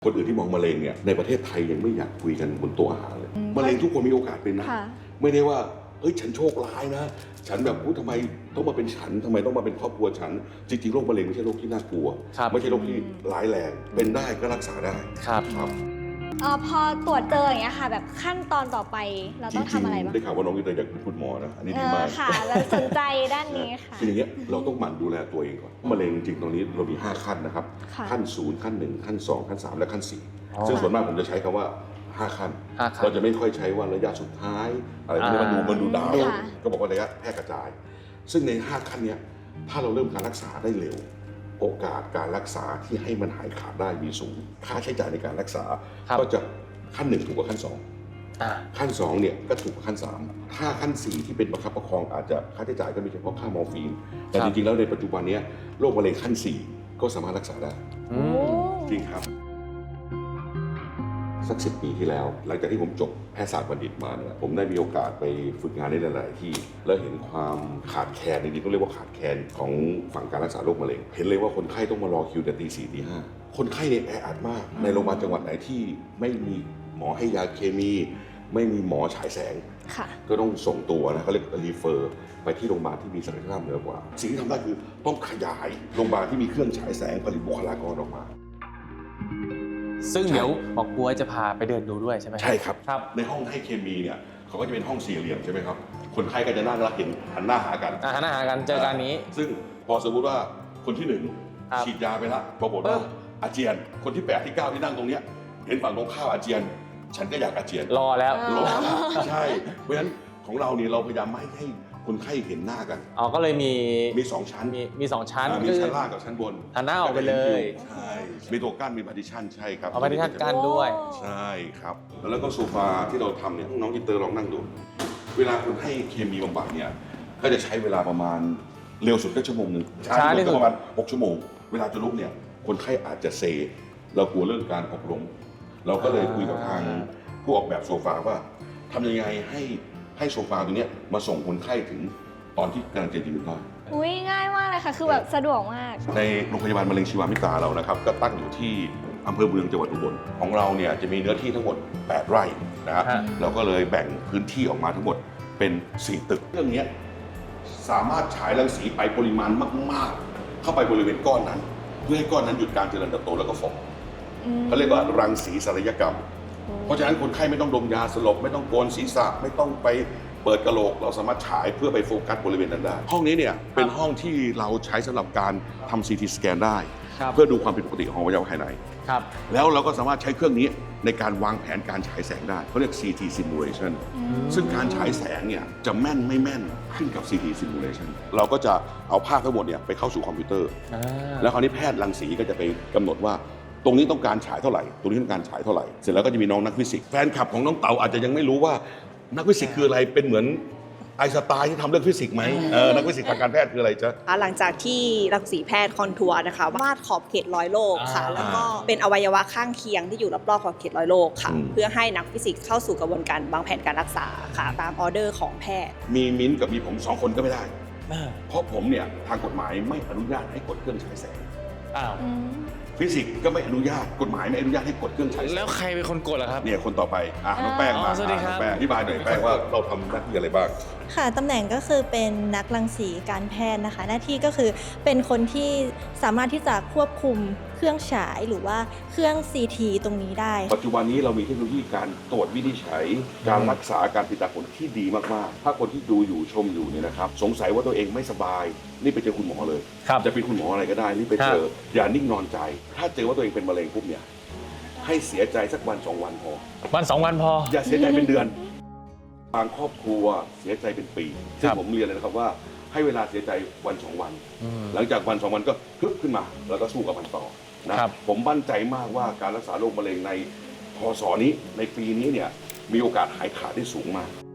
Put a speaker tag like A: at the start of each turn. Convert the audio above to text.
A: คนอื่นที่มองมะเร็งเนี่ยในประเทศไทยยังไม่อยากคุยกันบนโต๊ะอาหารเลยมะเร็งทุกคนมีโอกาสเป็นนะไม่ได้ว่าเฮ้ยฉันโชคร้ายนะฉันแบบทำไมต้องมาเป็นฉันทำไมต้องมาเป็นครอบครัวฉันจริงๆโรคมะเร็งไม่ใช่โรคที่น่ากลัวไม่ใช่โรคที่ร้ายแรงเป็นได้ก็รักษาได้ครับ
B: พอตรวจเจออย่างเงี้ยค่ะแบบขั้นตอนต่อไปเราต้องทำอะไรบ้าง
A: ได้ข่าวว่าน้องอินเตอร์อยากเป็นคุณหมอนะอันนี้ดีมาก
B: ค่ะเราสนใจด้านนี้ค่ะ
A: คืออย่างเงี้ยเราต้องหมั่นดูแลตัวเองก่อนมะเร็งจริงๆตรงนี้เรามี5ขั้นนะครับขั้น0ขั้น1ขั้น2ขั้น3และขั้น4ซึ่งส่วนมากผมจะใช้คำว่า5ขั้นเราจะไม่ค่อยใช้ว่าระยะสุดท้ายอะไรพวกนี้มันดูดาวก็บอกว่าระยะแพร่กระจายซึ่งใน5ขั้นนี้ถ้าเราเริ่มการรักษาได้เร็วโอกาสการรักษาที่ให้มันหายขาดได้มีสูงค่าใช้จ่ายในการรักษาก็จะขั้น1ถูกกว่าขั้น2ขั้น2เนี่ยก็ถูกกว่าขั้น3ถ้าขั้น4ที่เป็นประคับประคองอาจจะค่าใช้จ่ายก็มีเฉพาะค่ามอร์ฟีนแต่จริงๆแล้วในปัจจุบันนี้โรคมะเร็งขั้น4ก็สามารถรักษาได้จริงครับสัก10 ปีที่แล้วหลังจากที่ผมจบแพทยศาสตร์บัณฑิตมาเนี่ยผมได้มีโอกาสไปฝึกงานในหลายๆที่แล้วเห็นความขาดแคลนจริงๆต้องเรียกว่าขาดแคลนของฝั่งการรักษาโรคมะเร็งเห็นเลยว่าคนไข้ต้องมารอคิวแต่ตี 4 ตี 5คนไข้เนี่ยแออัดมากในโรงพยาบาลจังหวัดไหนที่ไม่มีหมอให้ยาเคมีไม่มีหมอฉายแสงก็ต้องส่งตัวนะเขาเรียกรีเฟอร์ไปที่โรงพยาบาลที่มีศักยภาพเหนือกว่าสิ่งที่ทำได้คือต้องขยายโรงพยาบาลที่มีเครื่องฉายแสงผลิตบุคลากรออกมา
C: ซึ่งเดี๋ยวหมอกลัวจะพาไปเดินดูด้วยใช่ไหม
A: ใช่ครับในห้องให้เคมีเนี่ยเขาก็จะเป็นห้องสี่เหลี่ยมใช่ไหมครับคนไข้ก็จะนั่งแล้วเห็นหันหน้าหากัน
C: หันหน้าหากันเจอกันนี้
A: ซึ่งพอสมมติว่าคนที่1ฉีดยาไปแล้วปรากฏว่าอาเจียนคนที่8ที่9ที่นั่งตรงเนี้ยเห็นฝั่งตรงข้ามอาเจียนฉันก็อยากอาเจียน
C: รอแล้ว
A: ใช่เพราะฉะนั้นของเราเนี่ยเราพยายามไม่ให้คนไข้เห็นหน้ากัน
C: ก็เลยมี
A: 2ชั้น
C: มี2ชั้น
A: มีชั้นล่างกับชั้นบน
C: หันหน้าออกไปเลย
A: ใช่มีตัวกั้นมีพาร์ติชันใช่ครับ
C: พาร์ติชันกั้นด้วย
A: ใช่ครับแล้วก็โซฟาที่เราทำเนี่ยน้องอินเตอร์ลองนั่งดูเวลาคนให้เคมีบำบัดเนี่ยก็จะใช้เวลาประมาณเร็วสุดก็ชั่วโมงนึงช้าที่สุดประมาณ6 ชั่วโมงเวลาจะลุกเนี่ยคนไข้อาจจะเซเรากลัวเรื่องการหกล้มเราก็เลยคุยกับทางผู้ออกแบบโซฟาว่าทำยังไงให้โซฟาตัวนี้มาส่งคนไข้ถึงตอนที่กำลังจะยืนได้
B: ง่ายมากเลยค่ะคือแบบสะดวกมาก
A: ในโรงพยาบาลมะเร็งชีวามิตราเรานะครับก็ตั้งอยู่ที่อำเภอเมืองจังหวัดอุบลของเราเนี่ยจะมีเนื้อที่ทั้งหมด8 ไร่นะครับเราก็เลยแบ่งพื้นที่ออกมาทั้งหมดเป็น4 ตึกเรื่องนี้สามารถฉายรังสีไปปริมาณมากๆเข้าไปบริเวณก้อนนั้นเพื่อให้ก้อนนั้นหยุดการเจริญเติบโตแล้วก็ฝ่อเขาเรียกว่ารังสีศัลยกรรมเพราะฉะนั้นคนไข้ไม่ต้องดมยาสลบไม่ต้องโกนศีรษะไม่ต้องไปเปิดกระโหลกเราสามารถฉายเพื่อไปโฟกัสบริเวณนั้นได้ห้องนี้เนี่ยเป็นห้องที่เราใช้สำหรับการทำ CT สแกนได้เพื่อดูความผิดปกติของอวัยวะภายในแล้วเราก็สามารถใช้เครื่องนี้ในการวางแผนการฉายแสงได้เขาเรียก CT simulation ซึ่งการฉายแสงเนี่ยจะแม่นไม่แม่นขึ้นกับ CT simulation เราก็จะเอาภาพทั้งหมดเนี่ยไปเข้าสู่คอมพิวเตอร์แล้วคราวนี้แพทย์รังสีก็จะไปกำหนดว่าตรงนี้ต้องการฉายเท่าไหร่ตรงนี้ต้องการฉายเท่าไหร่เสร็จแล้วก็จะมีน้องนักฟิสิกส์แฟนคลับของน้องเต๋าอาจจะยังไม่รู้ว่านักฟิสิกส์คืออะไรเป็นเหมือนไอน์สไตน์ที่ทำเรื่องฟิสิกส์ไหมนักฟิสิกส์ทางการแพทย์คืออะไรจ๊ะ
D: หลังจากที่รังสีแพทย์คอนทัวร์นะคะวาดขอบเขตรอยโรคค่ะแล้วก็เป็นอวัยวะข้างเคียงที่อยู่รอบๆขอบเขตรอยโรคค่ะเพื่อให้นักฟิสิกส์เข้าสู่กระบวนการวางแผนการรักษาค่ะตามออเดอร์ของแพทย์
A: มีมิ้นกับมีผม2 คนก็ไม่ได้เพราะผมเนี่ยทางกฎหมายไม่อนุญาตให้กดเครื่องฉายแสงฟิสิกส์ก็ไม่อนุญาตกฎหมายไม่อนุญาตให้กดเครื่องฉายแสง
C: แล้วใครเป็นคนกดล่ะครับ
A: เนี่ยคนต่อไปน้องแป้งมา
C: สวัสดีครับ
A: แป้งอธิบายหน่อยแป้งว่าเราทำหน้าที่อะไรบ้าง
E: ค่ะตำแหน่งก็คือเป็นนักรังสีการแพทย์นะคะหน้าที่ก็คือเป็นคนที่สามารถที่จะควบคุมเครื่องฉายหรือว่าเครื่อง CT ตรงนี้ได้
A: ปัจจุบันนี้เรามีเทคโนโลยีการตรวจวินิจฉัยการรักษาการติดตามผลที่ดีมากๆถ้าคนที่ดูอยู่ชมอยู่เนี่ยนะครับสงสัยว่าตัวเองไม่สบายนี่ไปเจอคุณหมอเลยจะเป็นคุณหมออะไรก็ได้นี่ไปเจออย่านิ่งนอนใจถ้าเจอว่าตัวเองเป็นมะเร็งปุ๊บเนี่ยให้เสียใจสักวัน2 วันพอ
C: วัน2 วันพอ
A: อย่าเสียใจเป็นเดือนบางครอบครัวเสียใจเป็นปีซึ่งผมเรียนเลยนะครับว่าให้เวลาเสียใจวัน2 วันหลังจากวัน2 วันก็ฮึบขึ้นมาแล้วก็สู้กับมันต่อนะผมมั่นใจมากว่าการรักษาโรคมะเร็งในพ.ศ.นี้ในปีนี้เนี่ยมีโอกาสหายขาดได้สูงมาก